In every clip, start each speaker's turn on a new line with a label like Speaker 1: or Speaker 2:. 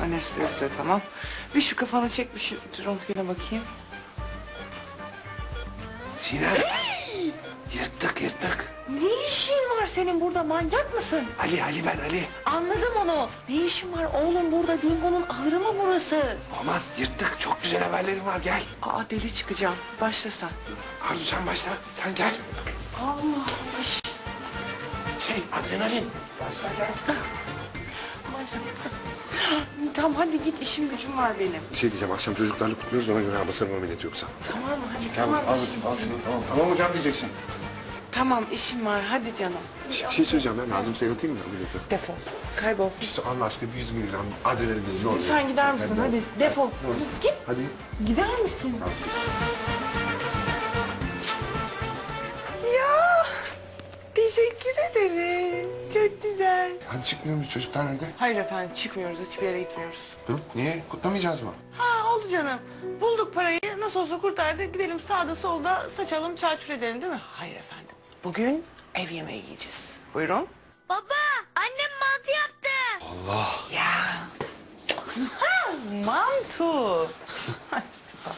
Speaker 1: Anestezi de tamam. Bir şu kafanı çek, bir şu röntgene bakayım.
Speaker 2: Sinem. Yırttık.
Speaker 1: Ne işin var senin burada, manyak mısın?
Speaker 2: Ali ben Ali.
Speaker 1: Anladım onu. Ne işin var oğlum burada? Dingo'nun ahırı mı burası?
Speaker 2: Olmaz yırttık. Çok güzel haberlerim var gel.
Speaker 1: Aa, deli çıkacağım. Başla sen.
Speaker 2: Arzu sen başla. Sen gel.
Speaker 1: Allah.
Speaker 2: Adrenalin. Başla gel.
Speaker 1: Başla. İyi tamam, hadi git, işim gücüm var benim.
Speaker 2: Bir şey diyeceğim. Akşam çocuklarla kutluyoruz. Ona göre basarım ameliyatı yoksa.
Speaker 1: Tamam hadi tamam.
Speaker 2: Al şunu. Tamam hocam diyeceksin.
Speaker 1: Tamam, işim var, hadi canım.
Speaker 2: Bir şey söyleyeceğim ben. Lazım seyreteyim mi ameliyatı?
Speaker 1: Defol. Kaybol.
Speaker 2: İşte Allah aşkına bir 100 miligram adrenalin ne oluyor?
Speaker 1: Sen gider misin? Hadi defol. Git.
Speaker 2: Hadi.
Speaker 1: Gider misin? Ya teşekkür ederim. Çok güzel.
Speaker 2: Hadi çıkmıyor muyuz? Çocuklar nerede?
Speaker 1: Hayır efendim, çıkmıyoruz. Hiçbir yere gitmiyoruz.
Speaker 2: Hı? Niye? Kutlamayacağız mı?
Speaker 1: Ha, oldu canım. Bulduk parayı. Nasıl olsa kurtardık. Gidelim sağda solda saçalım, çarçur edelim değil mi? Hayır efendim. Bugün ev yemeği yiyeceğiz. Buyurun.
Speaker 3: Baba, annem mantı yaptı.
Speaker 1: Ya. Mantu. Ay, süper.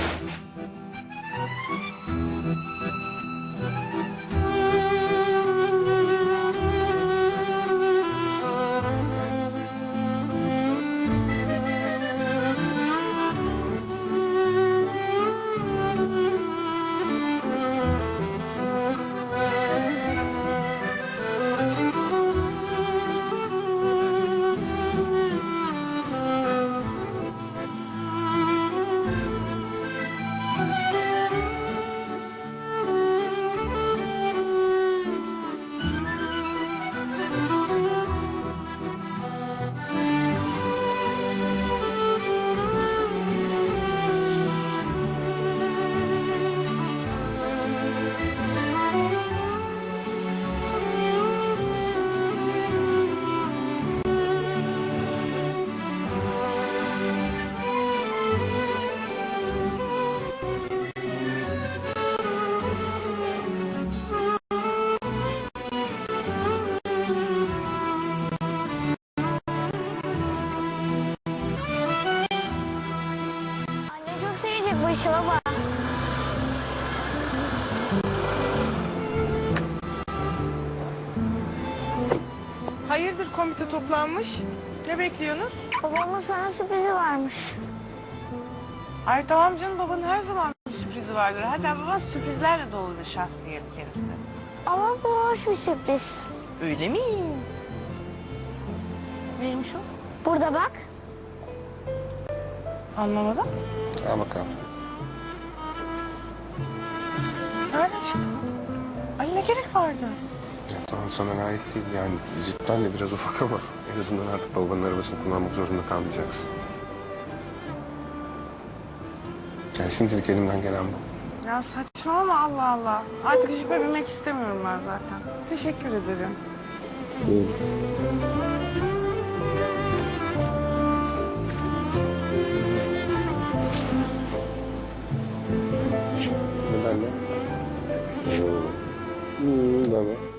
Speaker 3: Anne çok sevecek bu işi baba.
Speaker 1: Hayırdır, komite toplanmış? Ne bekliyorsunuz?
Speaker 3: Babamın sana sürprizi varmış.
Speaker 1: Ay tamam canım, babanın her zaman bir sürprizi vardır. Hatta baban sürprizlerle dolu bir şahsiyet kendisi.
Speaker 3: Ama bu hoş bir sürpriz.
Speaker 1: Öyle mi? Neymiş o?
Speaker 3: Burada bak.
Speaker 1: Anlamadım.
Speaker 2: Al bakalım.
Speaker 1: Nereden çıktı bu? Ay ne gerek vardı?
Speaker 2: Ya tamam sana layık değil. Yani cidden de biraz ufak ama en azından artık babanın arabasını kullanmak zorunda kalmayacaksın. Yani şimdilik elimden gelen bu.
Speaker 1: Ya saçmalama, Allah Allah. Artık jipe binmek istemiyorum ben zaten. Teşekkür ederim.
Speaker 2: Neden ne? Neden ne?